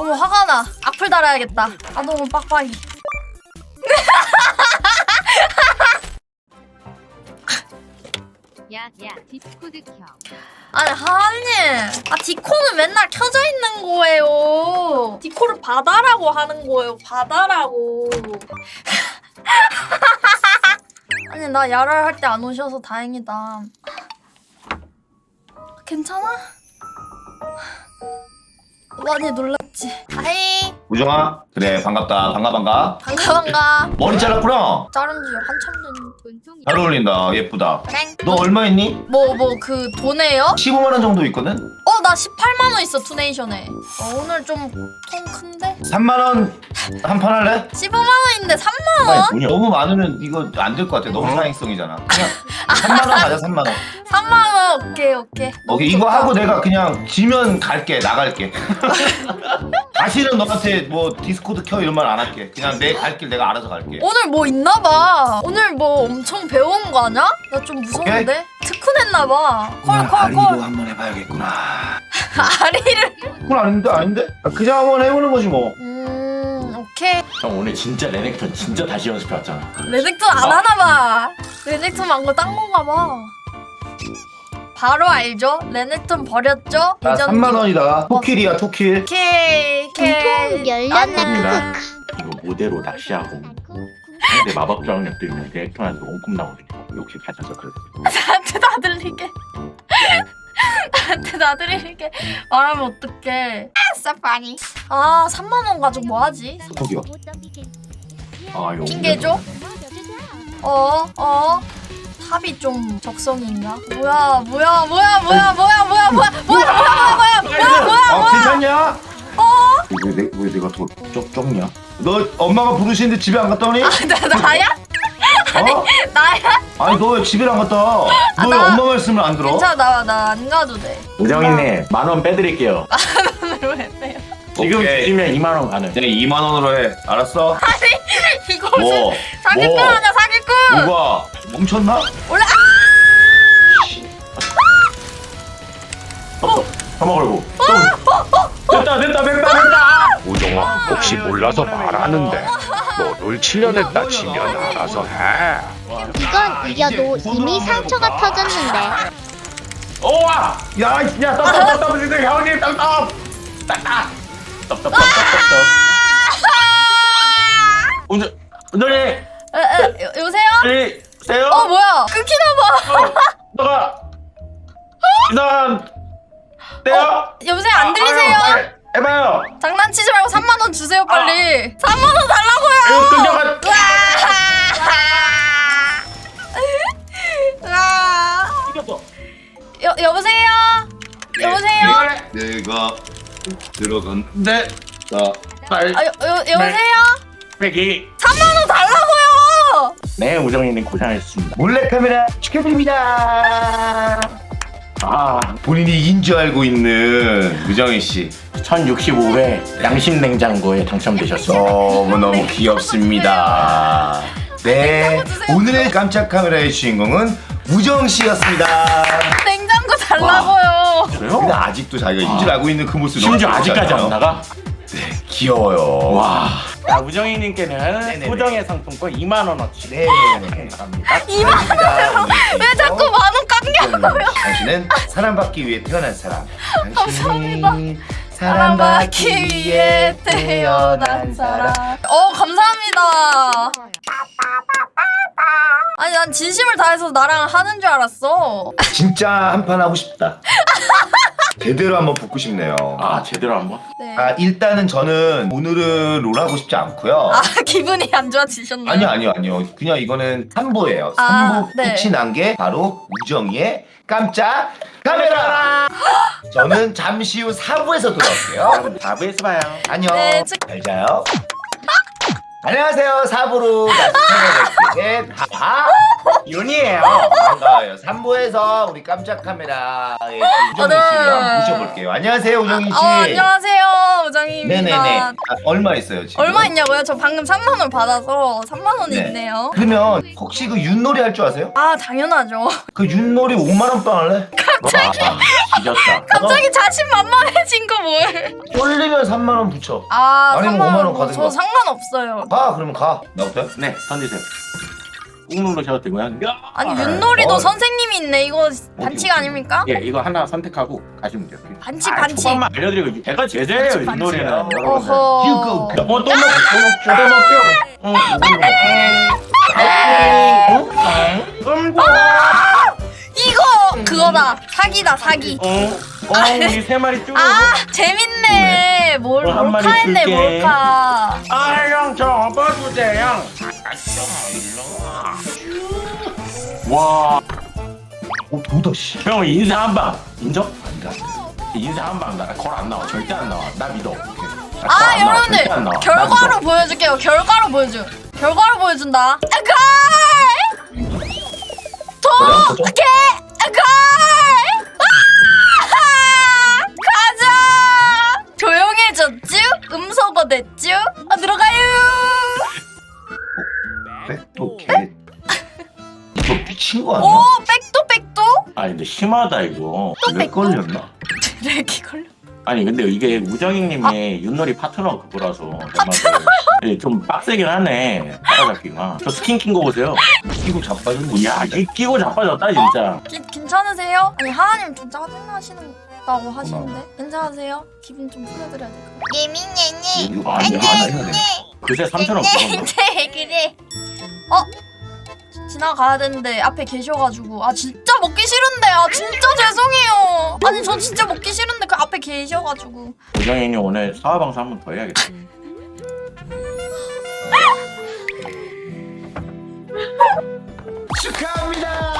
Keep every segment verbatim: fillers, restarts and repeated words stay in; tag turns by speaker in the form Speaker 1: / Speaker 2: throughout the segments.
Speaker 1: 너무 화가 나. 악플 달아야겠다. 아 너무 빡빡이.
Speaker 2: 야야 디스코드 켜.
Speaker 1: 아니 하나님, 아 디코는 맨날 켜져 있는 거예요. 디코를 받아라고 하는 거예요. 받아라고. 아니 나 야랄 할 때 안 오셔서 다행이다. 괜찮아? 많이 놀랐지. 하이.
Speaker 3: 우정아, 그래 반갑다. 반가 반가.
Speaker 1: 반가 반가.
Speaker 3: 머리 잘랐구나.
Speaker 1: 자른 지 한참 됐는데.
Speaker 2: 본통
Speaker 3: 잘 어울린다. 예쁘다.
Speaker 1: 그래.
Speaker 3: 너 얼마 있니?
Speaker 1: 뭐 뭐 그 돈에요?
Speaker 3: 십오만 원 정도 있거든?
Speaker 1: 어 나 십팔만 원 있어 투네이션에. 어, 오늘 좀 통 큰데?
Speaker 3: 삼만 원 한 판 할래?
Speaker 1: 십오만 원인데 삼만 원?
Speaker 3: 아니, 너무 많으면 이거 안 될 것 같아. 너무 사행성이잖아. 그냥 삼만 원 가자. 삼만 원.
Speaker 1: 삼만 원 오케이 오케이.
Speaker 3: 오케이, 이거 하고 내가 그냥 지면 갈게. 나갈게. 다시는 너한테 뭐 디스코드 켜 이런 말 안 할게. 그냥 내 갈 길 내가 알아서 갈게.
Speaker 1: 오늘 뭐 있나봐. 오늘 뭐 엄청 배운 거 아냐? 나 좀 무서운데? 특훈했나봐. 콜콜콜.
Speaker 3: 한번 해봐야겠구나.
Speaker 1: 아리를.
Speaker 3: 그건 아닌데 아닌데? 아, 그냥 한번 해보는 거지 뭐.
Speaker 1: 음 오케이.
Speaker 4: 형 오늘 진짜 레넥턴 진짜 다시 연습해 왔잖아.
Speaker 1: 레넥톤 안 하나봐. 레넥톤 말고 딴 건가 봐. 바로 알죠? 레넥톤 버렸죠?
Speaker 3: 나
Speaker 1: 예전
Speaker 3: 삼만 원이다. 토킬이야 토킬.
Speaker 1: 오케이 오케이.
Speaker 5: 통 열렸네.
Speaker 4: 아닙니다. 이거 모대로 낚시하고 상대 마법 저항력 들면 레넥턴한테 원꿈 나오거든요. 역시 가져서 그래.
Speaker 1: 나한테 다 들리게. 나한테 다 들리게 말하면 어떡해. 아싸 파니. 아 삼만 원 가지고 뭐 하지?
Speaker 3: 저기요.
Speaker 4: 아 이거
Speaker 1: 핑계죠? 어? 어? 탑이 좀 적성인가? 뭐야 뭐야 뭐야 뭐야 뭐야 뭐야 뭐야 뭐야 뭐야 뭐야 뭐야 뭐야 뭐야
Speaker 3: 아 괜찮냐?
Speaker 1: 어?
Speaker 3: 왜, 내, 왜 내가 더 쩍, 쩍냐? 너 엄마가 부르시는데 집에 안 갔다 오니?
Speaker 1: 나, 나야?
Speaker 3: 어?
Speaker 1: 나야?
Speaker 3: 아니 너 왜 집에 안 갔다 와? 너 왜
Speaker 1: 나-
Speaker 3: 엄마 말씀을 안 들어?
Speaker 1: 괜찮아 나 안 가도 돼.
Speaker 4: 우정이네 만 원 빼드릴게요.
Speaker 1: 왜 빼요?
Speaker 4: 지금
Speaker 3: 오케이.
Speaker 4: 주시면 이만 원 가능.
Speaker 3: 그냥 이만 원으로 해. 알았어?
Speaker 1: 이거
Speaker 3: 뭐?
Speaker 1: 무슨 사기꾼
Speaker 3: 뭐?
Speaker 1: 아니야 사기꾼.
Speaker 3: 뭐가? 멈췄나?
Speaker 1: 올라.
Speaker 4: 어, 한번 걸고. 됐다 됐다 됐다 됐다.
Speaker 6: 우정아 혹시 몰라서 말하는데 너를 칠 년 했다 치면 알아서 해.
Speaker 5: 이건 이겨도 이미 상처가 터졌는데.
Speaker 4: 오와.
Speaker 3: 야, 이-
Speaker 4: 야 떡떡떡떡 지금 형님 떡떡. 떡떡. 떡떡떡떡떡. 운전 운전이.
Speaker 1: 에, 에, 여- 여보세요?
Speaker 4: 이 세요.
Speaker 1: 어 뭐야 끊기나봐.
Speaker 4: 어, 너가 이상 떼요?
Speaker 1: 여보세요 안 들리세요?
Speaker 4: 아, 아유, 해봐요.
Speaker 1: 장난치지 말고 삼만 원 주세요 빨리. 삼만 원 달라고요.
Speaker 4: 이거 끊겨가.
Speaker 1: 으아.
Speaker 4: 이겼어.
Speaker 1: 여 여보세요? 여보세요?
Speaker 3: 내가 들어간
Speaker 4: 네.
Speaker 3: 자,
Speaker 4: 빨.
Speaker 1: 아, 여, 여, 여보세요?
Speaker 4: 빼기.
Speaker 1: 삼만 원 달라고요.
Speaker 4: 네, 우정이님 고생하셨습니다.
Speaker 3: 몰래카메라 축하드립니다.
Speaker 4: 아,
Speaker 3: 본인이 이긴 줄 알고 있는 우정희 씨.
Speaker 4: 천육십오 회 양심 냉장고에 당첨되셨습니다.
Speaker 3: 너무너무 귀엽습니다. 네, 오늘의 깜짝 카메라의 주인공은 우정 씨였습니다.
Speaker 1: 냉장고 달라고요.
Speaker 4: 그래요?
Speaker 3: 근데 아직도 자기가 이긴 줄 알고 있는 그 모습
Speaker 4: 심지어
Speaker 3: 너무
Speaker 4: 아직까지
Speaker 3: 귀엽잖아요.
Speaker 4: 안 나가?
Speaker 3: 네, 귀여워요.
Speaker 4: 와. 자, 우정이님께는
Speaker 3: 네네네.
Speaker 4: 우정의 상품권 이만 원어치.
Speaker 3: 네네네.
Speaker 4: 감사합니다.
Speaker 1: 이만 원을 왜 자꾸 만 원 깎냐고요?
Speaker 3: 당신은 사랑받기 위해 태어난 사람. 당신이
Speaker 1: 사랑받기 위해 태어난 사람. 어 감사합니다. 아니 난 진심을 다해서 나랑 하는 줄 알았어.
Speaker 3: 진짜 한 판 하고 싶다. 제대로 한번 붙고 싶네요.
Speaker 4: 아, 제대로 한번.
Speaker 1: 네.
Speaker 3: 아, 일단은 저는 오늘은 롤 하고 싶지 않고요.
Speaker 1: 아 기분이 안 좋아지셨나요?
Speaker 3: 아니요 아니요 아니요. 그냥 이거는 삼 부예요.
Speaker 1: 아,
Speaker 3: 삼 부
Speaker 1: 네.
Speaker 3: 끝이 난 게 바로 우정이의 깜짝 카메라. 저는 잠시 후 사 부에서 돌아올게요.
Speaker 4: 여러분 사 부에서 봐요.
Speaker 3: 안녕.
Speaker 1: 네, 즉-
Speaker 3: 잘 자요. 안녕하세요. 사 부로 다시 찾아뵙게 된 다 윤이에요. 반가워요. 삼 부에서 우리 깜짝 카메라의 우정희 씨를 한번 모셔볼게요. 안녕하세요, 우정희 씨.
Speaker 1: 어, 안녕하세요 우정희입니다.
Speaker 3: 네네네. 아, 얼마 있어요 지금?
Speaker 1: 얼마 있냐고요? 저 방금 삼만 원 받아서 삼만 원이
Speaker 3: 네.
Speaker 1: 있네요.
Speaker 3: 그러면 혹시 그 윷놀이 할 줄 아세요?
Speaker 1: 아 당연하죠.
Speaker 3: 그 윷놀이 오만 원 빵 할래?
Speaker 1: 갑자기
Speaker 4: 와, 지렸다.
Speaker 1: 갑자기 자신만만해진 거 뭘?
Speaker 3: 쫄리면 삼만 원 붙여.
Speaker 1: 아
Speaker 3: 아니면
Speaker 1: 삼만
Speaker 3: 오만 원
Speaker 1: 원 뭐,
Speaker 3: 가든가.
Speaker 1: 저 상관없어요.
Speaker 3: 가 그러면 가. 나부터?
Speaker 4: 네, 던지세요. 꾹 누르셔도 되고요. 야!
Speaker 1: 아니 윷놀이도
Speaker 3: 어.
Speaker 1: 선생님이 있네. 이거 반칙 아닙니까?
Speaker 4: 예, 이거 하나 선택하고 가시면 돼요.
Speaker 1: 반칙
Speaker 4: 아,
Speaker 1: 반칙.
Speaker 4: 초반만 알려드리고 제가 제재예요,
Speaker 1: 반칙,
Speaker 4: 윷놀이는.
Speaker 1: 반칙.
Speaker 4: 여러분들.
Speaker 1: 어허.
Speaker 3: 휴고.
Speaker 4: 또 먹죠, 또 먹죠, 또 먹죠. 응, 응,
Speaker 1: 이거 그거다. 사기다 사기.
Speaker 4: 응, 응, 우리 세 마리 쭉.
Speaker 1: 아 재밌네. 뭘
Speaker 4: 뭐 한 마리
Speaker 1: 몰카 했네
Speaker 4: 줄게.
Speaker 1: 몰카.
Speaker 4: 아, 형, 저 업어주세요, 형. 와,
Speaker 3: 어 도다 씨.
Speaker 4: 형 인사 한 방. 인정?
Speaker 3: 아니다.
Speaker 4: 인사 한 방. 나걸안 나와. 절대 안 나와. 나 믿어. 나
Speaker 1: 아
Speaker 4: 걸안 나와,
Speaker 1: 여러분들
Speaker 4: 절대 안 나와. 나
Speaker 1: 결과로
Speaker 4: 믿어.
Speaker 1: 보여줄게요. 결과로 보여줘. 결과로 보여준다. 아갈 도개 아갈 가자. 조용해졌쥬? 음소거 됐쥬? 아 들어가요.
Speaker 3: 백도 개. 이거 미친 거 아니야?
Speaker 1: 오 백도 백도?
Speaker 4: 아니 근데 심하다 이거.
Speaker 1: 또
Speaker 3: 왜
Speaker 1: 백도?
Speaker 3: 걸렸나?
Speaker 1: 드래기 걸려.
Speaker 4: 아니 근데 이게 우정이님의 윷놀이 파트너 그거라서 파트너? 좀 빡세긴 하네 따라잡기가. 저 스킨 낀 거 보세요.
Speaker 3: 이거 자빠졌네.
Speaker 4: 야 이 끼고 자빠졌다 진짜.
Speaker 1: 기, 괜찮으세요? 아니 하하님 좀 짜증나시는다고 하시는데 괜찮으세요? 기분 좀 풀어드려야 될까요?
Speaker 5: 예민예니.
Speaker 3: 이거 아니야. 안 해야 돼.
Speaker 4: 그새 삼천 원 그건가?
Speaker 1: 네 그래. 어? 지나가야 되는데 앞에 계셔가지고 아 진짜 먹기 싫은데 아 진짜 죄송해요. 아니 저 진짜 먹기 싫은데 그 앞에 계셔가지고.
Speaker 4: 우정이님 오늘 사화방사 한 번 더 해야겠다.
Speaker 3: 축하합니다.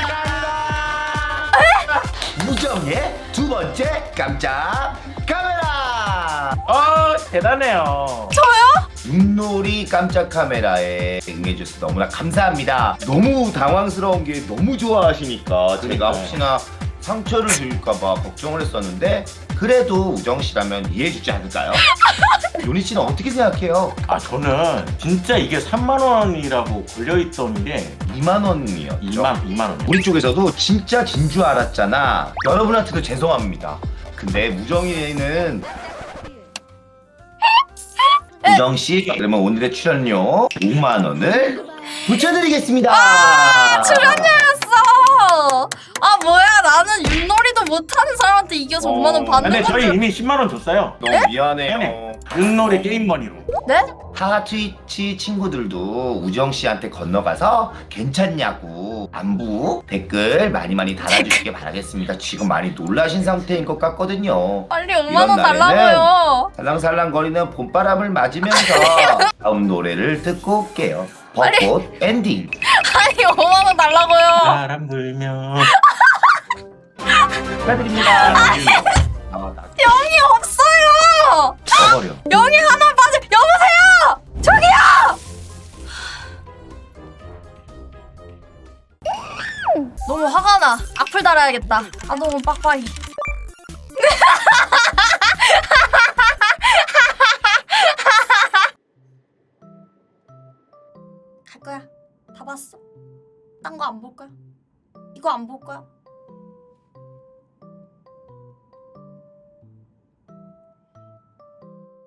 Speaker 3: 무정의 두 번째 깜짝 카메라.
Speaker 4: 아 대단해요.
Speaker 1: 저요?
Speaker 3: 윷놀이 깜짝 카메라에 응해주셔서 너무나 감사합니다. 너무 당황스러운 게 너무 좋아하시니까 제가
Speaker 4: 그러니까요.
Speaker 3: 혹시나 상처를 줄까봐 걱정을 했었는데 그래도 우정 씨라면 이해해주지 않을까요? 요니 씨는 어떻게 생각해요?
Speaker 4: 아 저는 진짜 이게 삼만 원이라고 걸려있던 게
Speaker 3: 이만 원이었죠.
Speaker 4: 이만 이만 원.
Speaker 3: 우리 쪽에서도 진짜 진 줄 알았잖아. 여러분한테도 죄송합니다. 근데 우정이는 우정 씨 그러면 오늘의 출연료 오만 원을 붙여드리겠습니다.
Speaker 1: 아 출연료였어. 아 뭐야 나는 윷놀이도 못하는 사람한테 이겨서 오만 원 받는
Speaker 4: 근데 저희
Speaker 1: 건데.
Speaker 4: 이미 십만 원 줬어요.
Speaker 3: 너무 미안해요.
Speaker 4: 윷놀이 게임 머니로.
Speaker 1: 네?
Speaker 3: 하하 트위치 친구들도 우정 씨한테 건너가서 괜찮냐고 안부 댓글 많이 많이 달아주시길 바라겠습니다. 지금 많이 놀라신 상태인 것 같거든요.
Speaker 1: 빨리 오만 원
Speaker 3: 이런 날에는
Speaker 1: 달라고요.
Speaker 3: 살랑살랑거리는 봄바람을 맞으면서 다음 노래를 듣고 올게요. 벚꽃 엔딩.
Speaker 1: 아니 오만 원 달라고요.
Speaker 4: 바람 불면.
Speaker 3: 축하드립니다. 아, 나
Speaker 1: 영이 없어요.
Speaker 3: 쳐버려.
Speaker 1: 영이 하나 빠져. 여보세요. 저기요. 너무 화가 나. 악플 달아야겠다. 아 너무 빡빡이. 갈 거야. 다 봤어. 딴 거 안 볼 거야. 이거 안 볼 거야.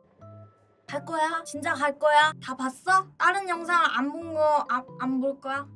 Speaker 1: 갈 거야? 진짜 갈 거야? 다 봤어? 다른 영상 안 본 거 안 안 볼 거야?